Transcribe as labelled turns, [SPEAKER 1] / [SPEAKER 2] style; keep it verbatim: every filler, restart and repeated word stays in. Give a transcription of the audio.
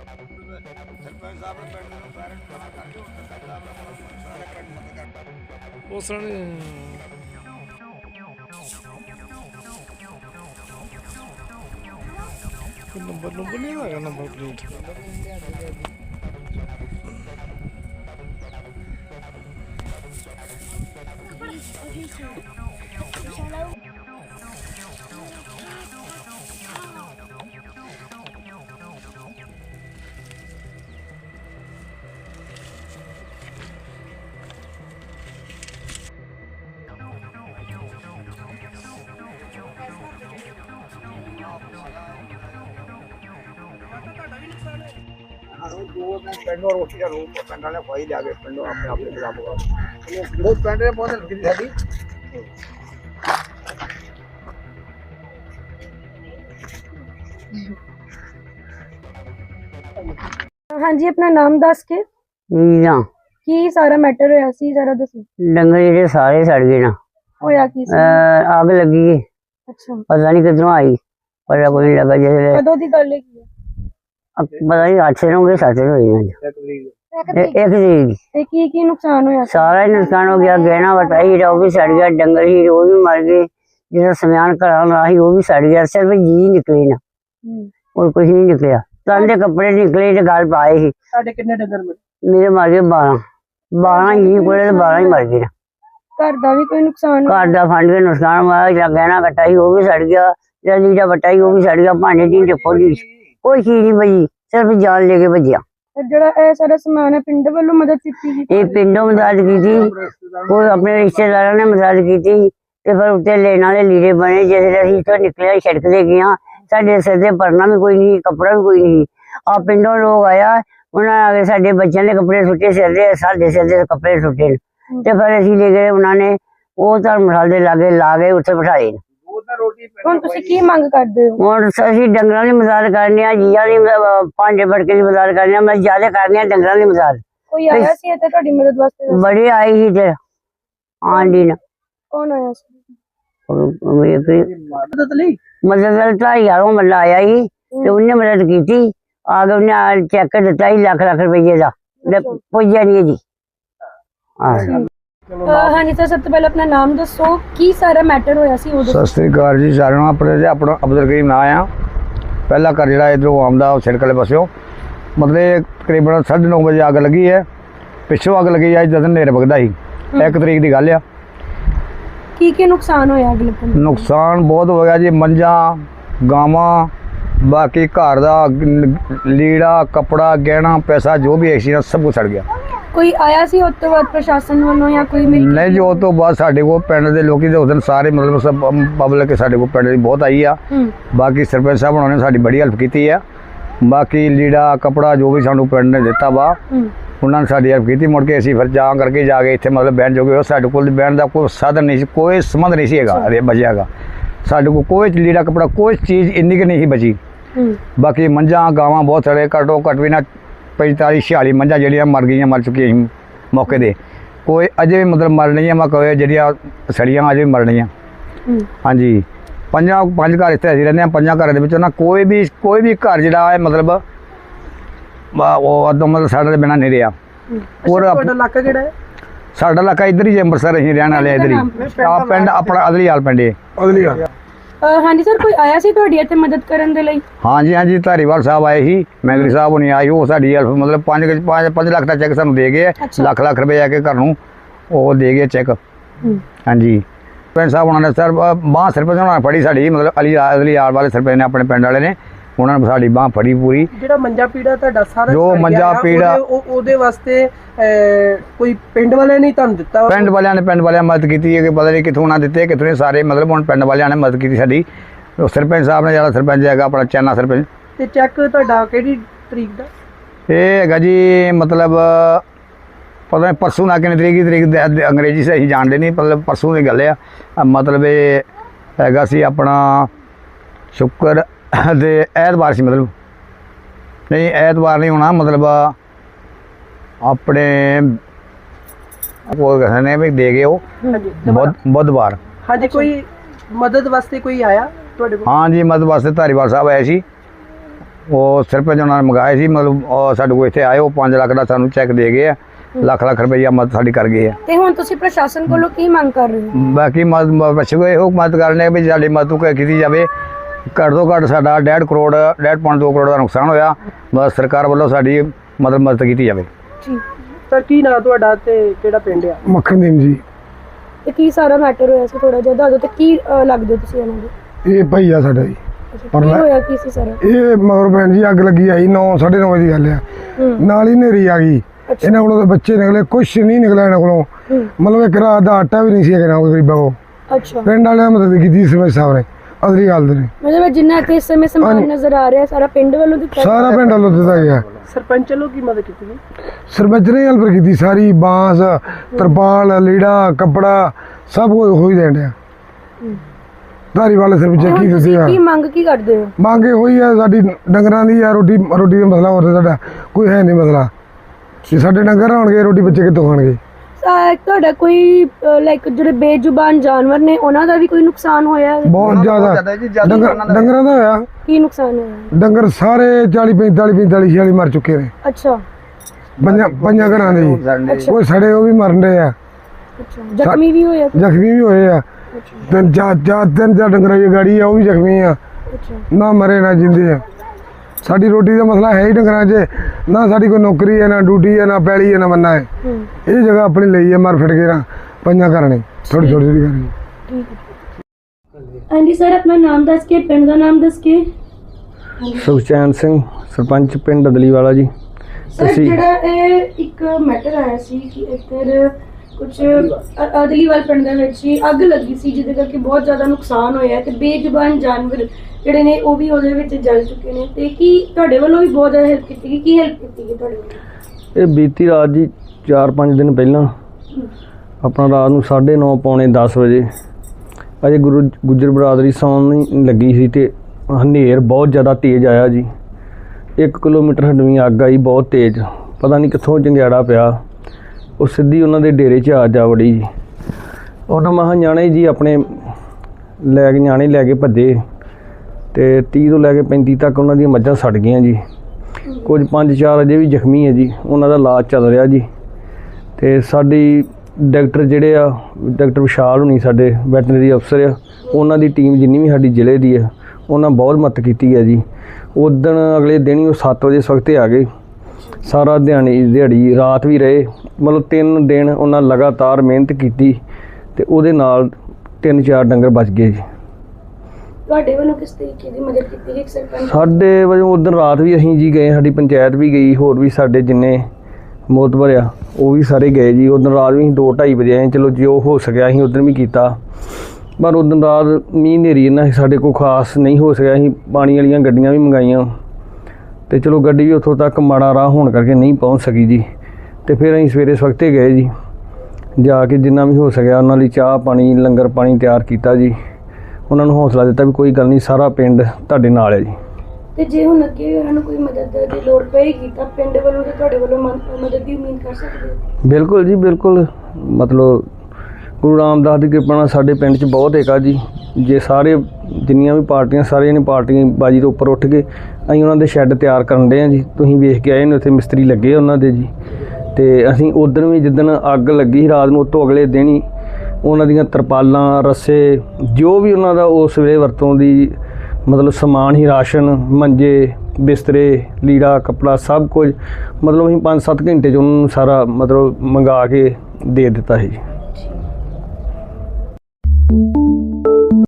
[SPEAKER 1] ਸਰਪੰਚ ਸਾਹਿਬ ਨੇ ਪਿੰਡ ਨੂੰ ਸਾਰੇ ਨੂੰ ਮਨਾ ਕਰਕੇ ਹੁਣ ਤਾਂ ਕਹਿੰਦਾ ਆਪਣਾ ਸਾਰੇ ਪਿੰਡ ਮਤ ਕਰਦਾ
[SPEAKER 2] ਉਸ ਨੇ ਨੰਬਰ ਨੰਬਰ ਨਹੀਂ ਹੈਗਾ ਨੰਬਰ ਪਲੇਟ
[SPEAKER 1] ਦੋ ਪਿੰਡੋਂ ਰੋਟੀ ਦਾ ਰੂਪ ਪਿੰਡ ਵਾਲੇ ਖਵਾਈ ਲਿਆ ਕੇ ਪਿੰਡੋਂ ਆਪਣੇ ਆਪਣੇ ਖਰਾਬ ਹੋ ਗਏ ਦੋ ਪਿੰਡ ਦੇ ਬਹੁਤ ਲੱਗੀ ਸਾਡੀ
[SPEAKER 3] हाँ जी, अपना नाम दस के
[SPEAKER 4] नीला
[SPEAKER 3] की सारा मैटर होया सी जरा दसो।
[SPEAKER 4] डंगर जेडे सारे सड़ गए ना।
[SPEAKER 3] होया की सी?
[SPEAKER 4] आग लगी है।
[SPEAKER 3] अच्छा,
[SPEAKER 4] पता नहीं किधरों आई, पता कोई नहीं लगा। जैसे
[SPEAKER 3] कदों दी गल है की
[SPEAKER 4] अब पता नहीं आठ दिन हो गए सात दिन हो गए एक तरीक
[SPEAKER 3] ते की की नुकसान होया?
[SPEAKER 4] सारा ही नुकसान हो गया। गहना बताई वो भी सड़ गया, डंगर ही वो भी मर गए, जिसका समान करा ही वो भी सड़ गया। सिर्फ जी निकले ना और कुछ नहीं निकलिया। तंदे कपड़े निकले ते गल पाए ही।
[SPEAKER 3] साडे कितने डंगर मरे?
[SPEAKER 4] मेरे मर गए बारह बारह ही कोले बारह ही मर गए।
[SPEAKER 3] घर दा भी कोई नुकसान?
[SPEAKER 4] घर दा फंड के नुकसान हुआ, जो गहना कटा ही वो भी सड़ गया, जो लीड़ा बटा ही वो भी सड़ गया। भांडे ढींडे खोली कोई चीज नहीं बची, सिर्फ जान लेके भजिया।
[SPEAKER 3] ਜਿਹੜਾ ਇਹ ਸਾਰਾ ਸਮਾਨ ਹੈ ਪਿੰਡ ਵੱਲੋਂ ਮਦਦ ਕੀਤੀ ਗਈ?
[SPEAKER 4] ਇਹ ਪਿੰਡੋਂ ਮਦਦ ਕੀਤੀ, ਕੋਈ ਆਪਣੇ ਰਿਸ਼ਤੇਦਾਰਾਂ ਨੇ ਮਦਦ ਕੀਤੀ ਤੇ ਫਿਰ ਉੱਤੇ ਲੈਣ ਵਾਲੇ ਲੀੜੇ ਬਣੇ। ਜਿਹੜੇ ਅਸੀਂ ਤੋਂ ਨਿਕਲਿਆ ਸੜਕ ਤੇ ਗਿਆ, ਸਾਡੇ ਸਿਰ ਤੇ ਪਰਨਾ ਵੀ ਕੋਈ ਨਹੀਂ, ਕੱਪੜਾ ਵੀ ਕੋਈ ਨਹੀਂ। ਆ ਪਿੰਡੋਂ ਲੋਕ ਆਇਆ, ਉਹਨਾਂ ਆ ਕੇ ਸਾਡੇ ਬੱਚਿਆਂ ਦੇ ਕੱਪੜੇ ਸੁੱਟੇ ਸਿਰ ਦੇ, ਸਾਡੇ ਸਿਰ ਦੇ ਕੱਪੜੇ ਸੁੱਟੇ ਤੇ ਫਿਰ ਅਸੀਂ ਲੈ ਗਏ। ਉਹਨਾਂ ਨੇ ਉਹ ਧਰਮਸ਼ਾਲਾ ਦੇ ਲਾਗੇ ਲਾ ਕੇ ਉੱਥੇ ਬਿਠਾਏ।
[SPEAKER 3] ਹੁਣ ਤੁਸੀਂ ਕੀ ਮੰਗ ਕਰਦੇ ਹੋ?
[SPEAKER 4] ਹੁਣ ਅਸੀਂ ਡੰਗਰਾਂ ਦੀ ਮਦਦ ਕਰਨੀ ਆ, ਜੀਆਂ ਦੀ ਭਾਂਡੇ ਫੜਕੇ ਦੀ ਮਦਦ ਕਰਨੀ ਆ। ਮੈਂ ਜ਼ਿਆਦਾ ਕਰਨੀ ਆ ਡੰਗਰਾਂ ਦੀ ਮਦਦ।
[SPEAKER 3] ਕੋਈ ਆਇਆ ਸੀ ਇੱਥੇ ਤੁਹਾਡੀ ਮਦਦ ਵਾਸਤੇ?
[SPEAKER 4] ਬੜੀ ਆਈ ਸੀ ਤੇ ਆਂਡੀ ਨਾ
[SPEAKER 3] ਕੌਣ ਆਇਆ ਸੀ
[SPEAKER 4] ਮਦਦ ਲਈ? ਮਦਦ ਢਾਈ ਹਜ਼ਾਰੋਂ ਮੱਲਾ ਆਇਆ ਸੀ ਤੇ ਉਹਨੇ ਮਦਦ ਕੀਤੀ। ਆ ਕੇ ਉਹਨੇ ਚੈੱਕ ਦਿੱਤਾ ਸੀ ਲੱਖ ਲੱਖ ਰੁਪਏ ਦਾ, ਪੁੱਜਿਆ ਨਹੀਂ ਜੀ।
[SPEAKER 3] हाँ जी सर, सबसे पहले अपना नाम दसो, की सारा मैटर होया सी?
[SPEAKER 1] सत श्री अकाल जी सारे ਨੂੰ। ਆਪਣੇ ਤੇ ਆਪਣਾ ਅਬਦੁਲ ਕਰੀਮ ਨਾਂ ਆ। ਪਹਿਲਾ ਘਰ ਜਿਹੜਾ ਇਧਰੋਂ ਆਉਂਦਾ ਉਹ ਸਿਰਕਲੇ ਪਾਸਿਓਂ, ਮਤਲਬ ਤਕਰੀਬਨ ਸਾਢੇ ਨੌ ਵਜੇ ਅੱਗ ਲੱਗੀ ਹੈ। ਪਿੱਛੋਂ ਅੱਗ ਲੱਗੀ ਆ ਜਦੋਂ ਹਨੇਰ ਵਗਦਾ ਸੀ। ਇੱਕ ਤਰੀਕ ਦੀ ਗੱਲ ਆ।
[SPEAKER 3] ਕੀ ਕੀ ਨੁਕਸਾਨ ਹੋਇਆ ਅੱਗ ਲੱਗਣ ਨਾਲ?
[SPEAKER 1] ਨੁਕਸਾਨ ਬਹੁਤ ਹੋ ਗਿਆ ਜੀ। ਮੰਝਾਂ, ਗਾਵਾਂ, ਬਾਕੀ ਘਰ ਦਾ ਲੀੜਾ, ਕੱਪੜਾ, ਗਹਿਣਾ, ਪੈਸਾ ਜੋ ਵੀ ਸੀ ਸਭ ਕੁਝ ਸੜ ਗਿਆ।
[SPEAKER 3] ਕੋਈ ਆਇਆ ਸੀ ਉਸ ਤੋਂ ਬਾਅਦ ਪ੍ਰਸ਼ਾਸਨ ਵੱਲੋਂ ਜਾਂ ਕੋਈ ਮਿਲ
[SPEAKER 1] ਨਹੀਂ ਜੀ? ਉਸ ਤੋਂ ਬਾਅਦ ਸਾਡੇ ਕੋਲ ਪਿੰਡ ਦੇ ਲੋਕੀ ਦੇ ਉਸ ਦਿਨ ਸਾਰੇ ਮਤਲਬ ਸਭ ਪਬਲਿਕ ਸਾਡੇ ਕੋਲ ਪਿੰਡ ਦੀ ਬਹੁਤ ਆਈ ਆ। ਬਾਕੀ ਸਰਪੰਚ ਸਾਹਿਬ ਉਹਨਾਂ ਨੇ ਸਾਡੀ ਬੜੀ ਹੈਲਪ ਕੀਤੀ ਆ। ਬਾਕੀ ਲੀੜਾ, ਕੱਪੜਾ ਜੋ ਵੀ ਸਾਨੂੰ ਪਿੰਡ ਨੇ ਦਿੱਤਾ ਵਾ, ਉਹਨਾਂ ਨੇ ਸਾਡੀ ਹੈਲਪ ਕੀਤੀ। ਮੁੜ ਕੇ ਅਸੀਂ ਫਿਰ ਜਾ ਕਰਕੇ ਜਾ ਕੇ ਇੱਥੇ ਮਤਲਬ ਬਹਿਣ ਜੋਗੇ। ਸਾਡੇ ਕੋਲ ਬਹਿਣ ਦਾ ਕੋਈ ਸਾਧਨ ਨਹੀਂ ਸੀ, ਕੋਈ ਸੰਬੰਧ ਨਹੀਂ ਸੀ ਹੈਗਾ ਅਰੇ ਬਚਿਆ ਹੈਗਾ। ਸਾਡੇ ਕੋਲ ਕੋਈ ਲੀੜਾ, ਕੱਪੜਾ, ਕੋਈ ਚੀਜ਼ ਇੰਨੀ ਕਿ ਨਹੀਂ ਸੀ ਬਚੀ। ਬਾਕੀ ਮੰਝਾਂ, ਗਾਵਾਂ ਬਹੁਤ ਸੜੇ। ਘੱਟੋ ਘੱਟ ਵੀ ਨਾ पैंताली छियाली मंझा जड़ियाँ मर गई, मर चुकी मौके दे। कोई अजे भी मतलब मरनी है, मैं कहे जड़ियाँ सड़ियाँ अजे भी मरनी। हाँ जी, पंजा पंज घर इतने असीं रहिंदे, पंजा घर दे विचों ना कोई भी कोई भी घर जिहड़ा है मतलब वो अदों मतलब साडे बिना नहीं रहा। और
[SPEAKER 3] इलाका किहड़ा है?
[SPEAKER 1] साडा इलाका इधर ही अंमृतसर, असीं रहण वाले इधर ही। आ पिंड अपना अदलीवाल पिंड है। अदलीवाल
[SPEAKER 3] हाँ जी सर, कोई आया सी तुहाडी इत्थे मदद करन दे लई?
[SPEAKER 1] हाँ जी हाँ जी, धारीवाल साहब आए ही, मैगरी साहब होनी आई। वो साडी हेल्प मतलब पाँच पाँच पाँच लाख का चैक सानू दे गए। लाख लाख रुपए आके घर नूं वो दे गए चैक। हाँ जी, सरपंच साहब उन्होंने सर बांह सरपंच उन्होंने फड़ी साड़ी, मतलब अली अली आल वाले सरपंच ने अपने पिंड वाले ने उन्होंने साड़ी बांह फड़ी पूरी।
[SPEAKER 5] ਜਿਹੜਾ ਮੰਜਾ ਪੀੜਾ ਤੁਹਾਡਾ ਸਾਰਾ
[SPEAKER 1] ਜੋ ਮੰਜਾ ਪੀੜਾ
[SPEAKER 5] ਉਹਦੇ ਵਾਸਤੇ ਕੋਈ ਪਿੰਡ ਵਾਲਿਆਂ ਨੇ ਤੁਹਾਨੂੰ ਦਿੱਤਾ?
[SPEAKER 1] ਪਿੰਡ ਵਾਲਿਆਂ ਨੇ ਪਿੰਡ ਵਾਲਿਆਂ ਮਦਦ ਕੀਤੀ ਹੈ ਕਿ ਪਤਾ ਨਹੀਂ ਕਿੱਥੋਂ ਨਾ ਦਿੱਤੇ ਕਿੱਥੋਂ ਨਹੀਂ ਸਾਰੇ ਮਤਲਬ ਹੁਣ ਪਿੰਡ ਵਾਲਿਆਂ ਨੇ ਮਦਦ ਕੀਤੀ ਸਾਡੀ। ਸਰਪੰਚ ਸਾਹਿਬ ਨੇ ਜਿਹੜਾ ਸਰਪੰਚ ਹੈਗਾ ਆਪਣਾ ਚੈਨਾ ਸਰਪੰਚ।
[SPEAKER 5] ਤੇ ਚੈੱਕ ਤੁਹਾਡਾ ਕਿਹੜੀ ਤਰੀਕ ਦਾ?
[SPEAKER 1] ਇਹ ਹੈਗਾ ਜੀ ਮਤਲਬ ਪਤਾ ਨਹੀਂ ਪਰਸੋਂ ਨਾ ਕਿੰਨੀ ਤਰੀਕ ਦੀ ਤਰੀਕ ਅੰਗਰੇਜ਼ੀ ਸੇ ਅਸੀਂ ਜਾਣਦੇ ਨਹੀਂ, ਮਤਲਬ ਪਰਸੋਂ ਦੀ ਗੱਲ ਆ। ਮਤਲਬ ਇਹ ਹੈਗਾ ਸੀ ਆਪਣਾ ਸ਼ੁੱਕਰ ਦੇ ਐਤਵਾਰ ਸੀ, ਮਤਲਬ ਨਹੀਂ ਐਤਵਾਰ ਨਹੀਂ ਹੋਣਾ, ਮਤਲਬ ਆਪਣੇ ਉਹ ਕਹਿੰਦੇ ਨੇ ਵੀ ਦੇ ਗਏ ਉਹ ਬੁੱਧਵਾਰ।
[SPEAKER 5] ਹਾਂਜੀ, ਕੋਈ ਮਦਦ ਵਾਸਤੇ ਕੋਈ ਆਇਆ ਤੁਹਾਡੇ ਕੋਲ?
[SPEAKER 1] हाँ जी, मदद वास्ते धारीवाल साहब आए सी। ਉਹ ਸਰਪੰਚ ਉਹਨਾਂ ਨੇ ਮੰਗਾਏ ਸੀ, ਮਤਲਬ ਉਹ ਸਾਡੇ ਕੋਲ ਇੱਥੇ ਆਏ, ਉਹ ਪੰਜ ਲੱਖ ਦਾ ਸਾਨੂੰ ਚੈੱਕ ਦੇ ਗਏ ਆ, ਲੱਖ ਲੱਖ ਰੁਪਈਆ ਮਦਦ ਸਾਡੀ ਕਰ ਗਏ ਆ।
[SPEAKER 3] ਤੇ ਹੁਣ ਤੁਸੀਂ ਪ੍ਰਸ਼ਾਸਨ ਕੋਲੋਂ ਕੀ ਮੰਗ ਕਰ ਰਹੇ ਹੋ?
[SPEAKER 1] ਬਾਕੀ ਮਦਦ ਬਚੋ ਇਹੋ ਮਦਦ ਕਰਨੇ ਵੀ ਸਾਡੀ ਮਦਦ ਕੋਈ ਕੀਤੀ ਜਾਵੇ। ਘੱਟ ਤੋਂ ਘੱਟ ਸਾਡਾ ਡੇਢ ਕਰੋੜ ਡੇਢ ਪੌਇੰਟ ਦੋ ਕਰੋੜ ਦਾ ਨੁਕਸਾਨ ਹੋਇਆ, ਬਸ ਸਰਕਾਰ ਵੱਲੋਂ ਸਾਡੀ ਮਦਦ ਮਦਦ ਕੀਤੀ ਜਾਵੇ।
[SPEAKER 3] ਜੀ
[SPEAKER 5] ਸਰ ਕੀ ਨਾਂ ਤੁਹਾਡਾ ਤੇ ਕਿਹੜਾ ਪਿੰਡ ਆ?
[SPEAKER 2] ਮੱਖਣ ਸਿੰਘ ਜੀ,
[SPEAKER 3] ਤੇ ਕੀ ਸਾਰਾ ਮੈਟਰ ਹੋਇਆ ਸੀ, ਥੋੜਾ ਜਿਹਾ ਦੱਸ ਦਿਓ। ਤੇ ਕੀ ਅ, ਲੱਗਦੇ ਹੋ ਤੁਸੀਂ ਇਹਨਾਂ ਦੇ?
[SPEAKER 2] ਇਹ ਭਾਈ ਆ ਸਾਡਾ ਜੀ।
[SPEAKER 3] ਅੱਛਾ, ਕੀ ਹੋਇਆ ਕੀ ਸੀ ਸਾਰਾ?
[SPEAKER 2] ਇਹ ਮਗਰ ਭੈਣ ਜੀ ਅੱਗ ਲੱਗੀ ਆਈ ਨੌ ਸਾਢੇ ਨੌ ਵਜੇ ਦੀ ਗੱਲ ਆ,
[SPEAKER 3] ਹੂੰ
[SPEAKER 2] ਨਾਲ ਹੀ ਹਨੇਰੀ ਆ ਗਈ।
[SPEAKER 3] ਅੱਛਾ।
[SPEAKER 2] ਇਹਨਾਂ ਕੋਲੋਂ ਤਾਂ ਬੱਚੇ ਨਿਕਲੇ, ਕੁਛ ਨਹੀਂ ਨਿਕਲਿਆ ਇਹਨਾਂ ਕੋਲੋਂ,
[SPEAKER 3] ਹੂੰ
[SPEAKER 2] ਮਤਲਬ ਇੱਕ ਰਾਤ ਦਾ ਆਟਾ ਵੀ ਨਹੀਂ ਸੀ ਹੈਗਾ ਕੋਈ ਗਰੀਬਾਂ ਕੋਲ।
[SPEAKER 3] ਅੱਛਾ,
[SPEAKER 2] ਪਿੰਡ ਵਾਲਿਆਂ ਨੇ ਮਦਦ ਕੀਤੀ ਸਰਪੰਚ ਸਾਹਿਬ ਨੇ, ਅਸਲੀ ਗੱਲ ਦੇ ਨੇ,
[SPEAKER 3] ਮਤਲਬ ਜਿੰਨਾ ਇੱਥੇ ਇਸ ਸਮੇਂ ਸਮਾਨ ਨਜ਼ਰ ਆ ਰਿਹਾ ਸਾਰਾ ਪਿੰਡ ਵੱਲੋਂ ਦਿੱਤਾ ਗਿਆ?
[SPEAKER 2] ਸਾਰਾ ਪਿੰਡ ਵੱਲੋਂ ਦਿੱਤਾ ਗਿਆ।
[SPEAKER 5] ਸਰਪੰਚ ਵੱਲੋਂ ਕੀ ਮਦਦ ਕੀਤੀ ਗਈ?
[SPEAKER 2] ਸਰਪੰਚ ਨੇ ਹੈਲਪ ਕੀਤੀ ਸਾਰੀ, ਬਾਂਸ ਤਰਪਾਲ ਲੀੜਾ ਕੱਪੜਾ ਸਭ ਕੁਝ ਹੋ ਹੀ ਦੇਣ ਡਿਆ। ਧਾਰੀ ਵਾਲੇ ਸਰਪੰਚ
[SPEAKER 3] ਤੇ
[SPEAKER 2] ਕੀ
[SPEAKER 3] ਹੁਣ
[SPEAKER 2] ਦਿੱਤੇ
[SPEAKER 3] ਤੁਸੀਂ
[SPEAKER 2] ਆ,
[SPEAKER 3] ਕੀ ਮੰਗ ਕੀ ਕਰਦੇ ਹੋ?
[SPEAKER 2] ਮੰਗੇ ਹੋਈ ਆ ਸਾਡੀ ਡੰਗਰਾਂ ਦੀ ਆ, ਰੋਟੀ ਰੋਟੀ ਦਾ ਮਸਲਾ ਹੋਰ ਤਾਂ ਸਾਡਾ ਕੋਈ ਹੈ ਨਹੀਂ ਮਸਲਾ। ਜੇ ਸਾਡੇ ਡੰਗਰ ਹੋਣਗੇ ਰੋਟੀ ਬੱਚੇ ਕਿੱਥੋਂ ਖਾਣਗੇ?
[SPEAKER 3] ਅ, ਤੁਹਾਡਾ ਕੋਈ ਲਾਈਕ ਜਿਹੜੇ ਬੇਜ਼ੁਬਾਨ ਜਾਨਵਰ ਨੇ ਉਹਨਾਂ ਦਾ ਵੀ ਕੋਈ ਨੁਕਸਾਨ ਹੋਇਆ ਹੈ?
[SPEAKER 2] ਬਹੁਤ ਜ਼ਿਆਦਾ ਡੰਗਰ ਡੰਗਰਾਂ ਦਾ ਹੋਇਆ।
[SPEAKER 3] ਕੀ ਨੁਕਸਾਨ ਹੋਇਆ?
[SPEAKER 2] ਡੰਗਰ ਸਾਰੇ ਚਾਲੀ ਪੈਂਤਾਲੀ ਪੈਂਤਾਲੀ ਛਿਆਲੀ ਮਰ ਚੁੱਕੇ ਨੇ,
[SPEAKER 3] ਅੱਛਾ
[SPEAKER 2] ਪੰਜਾਂ ਪੰਜਾਂ ਘਰਾਂ ਦੇ ਜੀ।
[SPEAKER 3] ਅੱਛਾ
[SPEAKER 2] ਕੋਈ ਸੜੇ ਉਹ ਵੀ ਮਰਨ ਦੇ ਆ,
[SPEAKER 3] ਅੱਛਾ, ਜ਼ਖਮੀ ਵੀ ਹੋਇਆ?
[SPEAKER 2] ਜ਼ਖਮੀ ਵੀ ਹੋਏ ਆ।
[SPEAKER 3] ਅੱਛਾ
[SPEAKER 2] ਤਿੰਨ ਚਾਰ ਚਾਰ ਤਿੰਨ ਚਾਰ ਡੰਗਰਾਂ ਦੀ ਗਾੜੀ ਆ, ਉਹ ਵੀ ਜ਼ਖਮੀ ਆ,
[SPEAKER 3] ਅੱਛਾ
[SPEAKER 2] ਨਾ ਮਰੇ ਨਾ ਜਿੰਦੇ ਆ। ਸਾਡੀ ਰੋਟੀ ਦਾ ਮਸਲਾ ਹੈ ਹੀ ਡੰਗਰਾਂ 'ਚ, ਨਾ ਸਾਡੀ ਕੋਈ ਨੌਕਰੀ ਹੈ, ਨਾ ਡਿਊਟੀ ਹੈ, ਨਾ ਪੈਲੀ ਹੈ, ਨਾ ਮੰਨਾ ਹੈ।
[SPEAKER 3] ਹੂੰ
[SPEAKER 2] ਇਹ ਜਗ੍ਹਾ ਆਪਣੀ ਲਈ ਹੈ, ਮਰ ਫਿਟ ਕੇ ਨਾ ਪੰਜਾਂ ਘਰਾਂ ਨੇ ਥੋੜੀ ਥੋੜੀ ਜਿਹੀ ਘਰਾਂ
[SPEAKER 3] ਠੀਕ ਹੈ। ਹਾਂਜੀ ਸਰ, ਆਪਣਾ ਨਾਮ ਦੱਸ ਕੇ ਪਿੰਡ ਦਾ ਨਾਮ ਦੱਸ ਕੇ।
[SPEAKER 6] ਸੁਖਚੈਨ ਸਿੰਘ, ਸਰਪੰਚ ਪਿੰਡ ਦਲੀਵਾਲਾ ਜੀ।
[SPEAKER 3] ਸਰ ਜਿਹੜਾ ਇਹ ਇੱਕ ਮੈਟਰ ਆਇਆ ਸੀ ਕਿ ਇੱਧਰ ਕੁਝ ਅਦਲੀਵਾਲ ਪਿੰਡ ਦੇ ਵਿੱਚ ਹੀ ਅੱਗ ਲੱਗੀ ਸੀ, ਜਿਹਦੇ ਕਰਕੇ ਬਹੁਤ ਜ਼ਿਆਦਾ ਨੁਕਸਾਨ ਹੋਇਆ ਤੇ ਬੇਜ਼ੁਬਾਨ ਜਾਨਵਰ ਜਿਹੜੇ ਨੇ ਉਹ ਵੀ ਉਹਦੇ ਵਿੱਚ ਜਲ ਚੁੱਕੇ ਨੇ, ਤੇ ਕੀ ਤੁਹਾਡੇ ਵੱਲੋਂ ਵੀ ਬਹੁਤ ਜ਼ਿਆਦਾ ਹੈਲਪ ਕੀਤੀ ਗਈ? ਕੀ ਹੈਲਪ ਕੀਤੀ ਗਈ ਤੁਹਾਡੇ ਵੱਲੋਂ?
[SPEAKER 6] ਇਹ ਬੀਤੀ ਰਾਤ ਜੀ ਚਾਰ ਪੰਜ ਦਿਨ ਪਹਿਲਾਂ ਆਪਣਾ ਰਾਤ ਨੂੰ ਸਾਢੇ ਨੌ ਪੌਣੇ ਦਸ ਵਜੇ ਅਜੇ ਗੁਰੂ ਗੁੱਜਰ ਬਰਾਦਰੀ ਸੌਣ ਨਹੀਂ ਲੱਗੀ ਸੀ ਤੇ ਹਨੇਰ ਬਹੁਤ ਜ਼ਿਆਦਾ ਤੇਜ਼ ਆਇਆ ਜੀ। ਇੱਕ ਕਿਲੋਮੀਟਰ ਹਟਵੀਂ ਅੱਗ ਆਈ ਬਹੁਤ ਤੇਜ਼, ਪਤਾ ਨਹੀਂ ਕਿੱਥੋਂ ਚੰਗਿਆੜਾ ਪਿਆ, ਉਹ ਸਿੱਧੀ ਉਹਨਾਂ ਦੇ ਡੇਰੇ 'ਚ ਆ ਜਾ ਵੜੀ ਜੀ। ਉਹਨਾਂ ਮਹਾਂ ਨਿਆਣੇ ਜੀ ਆਪਣੇ ਲੈ ਕੇ ਨਿਆਣੇ ਲੈ ਕੇ ਭੱਜੇ ਤੇ ਤੀਹ ਤੋਂ ਲੈ ਕੇ ਪੈਂਤੀ ਤੱਕ ਉਹਨਾਂ ਦੀਆਂ ਮੱਝਾਂ ਸੜ ਗਈਆਂ ਜੀ। ਕੁਝ ਪੰਜ ਚਾਰ ਅਜੇ ਵੀ ਜ਼ਖਮੀ ਹੈ ਜੀ, ਉਹਨਾਂ ਦਾ ਇਲਾਜ ਚੱਲ ਰਿਹਾ ਜੀ। ਤੇ ਸਾਡੀ ਡਾਕਟਰ ਜਿਹੜੇ ਆ ਡਾਕਟਰ ਵਿਸ਼ਾਲ ਹੁਣੀ ਸਾਡੇ ਵੈਟਰਨਰੀ ਅਫਸਰ ਆ, ਉਹਨਾਂ ਦੀ ਟੀਮ ਜਿੰਨੀ ਵੀ ਸਾਡੀ ਜ਼ਿਲ੍ਹੇ ਦੀ ਆ ਉਹਨਾਂ ਬਹੁਤ ਮਦਦ ਕੀਤੀ ਹੈ ਜੀ। ਉਦਣ ਅਗਲੇ ਦਿਨ ਹੀ ਉਹ ਸੱਤ ਵਜੇ ਸਵਖਤੇ ਆ ਗਏ, ਸਾਰਾ ਦਿਹਾੜੀ ਦਿਹਾੜੀ ਰਾਤ ਵੀ ਰਹੇ, ਮਤਲਬ ਤਿੰਨ ਦਿਨ ਉਹਨਾਂ ਲਗਾਤਾਰ ਮਿਹਨਤ ਕੀਤੀ ਤੇ ਉਹਦੇ ਨਾਲ ਤਿੰਨ ਚਾਰ ਡੰਗਰ ਬਚ ਗਏ ਜੀ।
[SPEAKER 3] ਤੁਹਾਡੇ ਵੱਲੋਂ ਕਿਸ ਤਰੀਕੇ ਦੀ ਮਦਦ ਕੀਤੀ ਗਈ ਸਰਪੰਚ?
[SPEAKER 6] ਸਾਡੇ ਵਜੋਂ ਉਦੋਂ ਰਾਤ ਵੀ ਅਸੀਂ ਜੀ ਗਏ, ਸਾਡੀ ਪੰਚਾਇਤ ਵੀ ਗਈ, ਹੋਰ ਵੀ ਸਾਡੇ ਜਿੰਨੇ ਮੋਤਬਰ ਆ ਉਹ ਵੀ ਸਾਰੇ ਗਏ ਜੀ। ਉਦੋਂ ਰਾਤ ਵੀ ਅਸੀਂ ਦੋ ਢਾਈ ਵਜੇ ਆਏ, ਚਲੋ ਜੋ ਹੋ ਸਕਿਆ ਅਸੀਂ ਉਦੋਂ ਵੀ ਕੀਤਾ, ਪਰ ਉਦੋਂ ਰਾਤ ਮੀਂਹ ਹਨੇਰੀ ਇਹਨਾਂ ਸਾਡੇ ਕੋਲ ਖਾਸ ਨਹੀਂ ਹੋ ਸਕਿਆ। ਅਸੀਂ ਪਾਣੀ ਵਾਲੀਆਂ ਗੱਡੀਆਂ ਵੀ ਮੰਗਾਈਆਂ ਤੇ ਚਲੋ ਗੱਡੀ ਵੀ ਉੱਥੋਂ ਤੱਕ ਮਾੜਾ ਰਾਹ ਹੋਣ ਕਰਕੇ ਨਹੀਂ ਪਹੁੰਚ ਸਕੀ ਜੀ। ਤੇ ਫਿਰ ਅਸੀਂ ਸਵੇਰੇ ਸਵਖਤੇ ਗਏ ਜੀ, ਜਾ ਕੇ ਜਿੰਨਾ ਵੀ ਹੋ ਸਕਿਆ ਉਹਨਾਂ ਲਈ ਚਾਹ ਪਾਣੀ ਲੰਗਰ ਪਾਣੀ ਤਿਆਰ ਕੀਤਾ ਜੀ। ਉਹਨਾਂ ਨੂੰ ਹੌਸਲਾ ਦਿੱਤਾ ਵੀ ਕੋਈ ਗੱਲ ਨਹੀਂ, ਸਾਰਾ ਪਿੰਡ ਤੁਹਾਡੇ ਨਾਲ ਹੈ ਜੀ।
[SPEAKER 3] ਤੇ ਜੇ ਹੁਣ ਅੱਗੇ ਉਹਨਾਂ ਨੂੰ ਕੋਈ ਮਦਦ ਦੀ ਲੋੜ ਪਏਗੀ ਤਾਂ ਪਿੰਡ ਵੱਲੋਂ ਤੇ ਤੁਹਾਡੇ ਵੱਲੋਂ ਮਨ- ਮਦਦ ਦੀ ਉਮੀਦ ਕਰ ਸਕਦੇ ਹੋ?
[SPEAKER 6] ਬਿਲਕੁਲ ਜੀ ਬਿਲਕੁਲ, ਮਤਲਬ ਗੁਰੂ ਰਾਮਦਾਸ ਦੀ ਕਿਰਪਾ ਨਾਲ ਸਾਡੇ ਪਿੰਡ 'ਚ ਬਹੁਤ ਏਕਾ ਜੀ। ਜੇ ਸਾਰੇ ਜਿੰਨੀਆਂ ਵੀ ਪਾਰਟੀਆਂ ਸਾਰੀਆਂ ਨੇ ਪਾਰਟੀਆਂ ਬਾਜੀ ਤੋਂ ਉੱਪਰ ਉੱਠ ਕੇ ਅਸੀਂ ਉਹਨਾਂ ਦੇ ਸ਼ੈੱਡ ਤਿਆਰ ਕਰਨ ਦੇ ਹਾਂ ਜੀ। ਤੁਸੀਂ ਵੇਖ ਕੇ ਆਏ ਨੇ ਉੱਥੇ ਮਿਸਤਰੀ ਲੱਗੇ ਉਹਨਾਂ ਦੇ ਜੀ। ਤੇ ਅਸੀਂ ਉਦੋਂ ਵੀ ਜਿੱਦਣ ਅੱਗ ਲੱਗੀ ਰਾਤ ਨੂੰ, ਉਸ ਤੋਂ ਅਗਲੇ ਦਿਨ ਹੀ ਉਹਨਾਂ ਦੀਆਂ ਤਰਪਾਲਾਂ ਰੱਸੇ ਜੋ ਵੀ ਉਹਨਾਂ ਦਾ ਉਸ ਵੇਲੇ ਵਰਤੋਂ ਦੀ ਮਤਲਬ ਸਮਾਨ ਹੀ, ਰਾਸ਼ਨ ਮੰਜੇ ਬਿਸਤਰੇ ਲੀੜਾ ਕੱਪੜਾ ਸਭ ਕੁਝ, ਮਤਲਬ ਅਸੀਂ ਪੰਜ ਸੱਤ ਘੰਟੇ 'ਚ ਉਹਨਾਂ ਨੂੰ ਸਾਰਾ ਮਤਲਬ ਮੰਗਾ ਕੇ ਦੇ ਦਿੱਤਾ ਹੈ ਜੀ।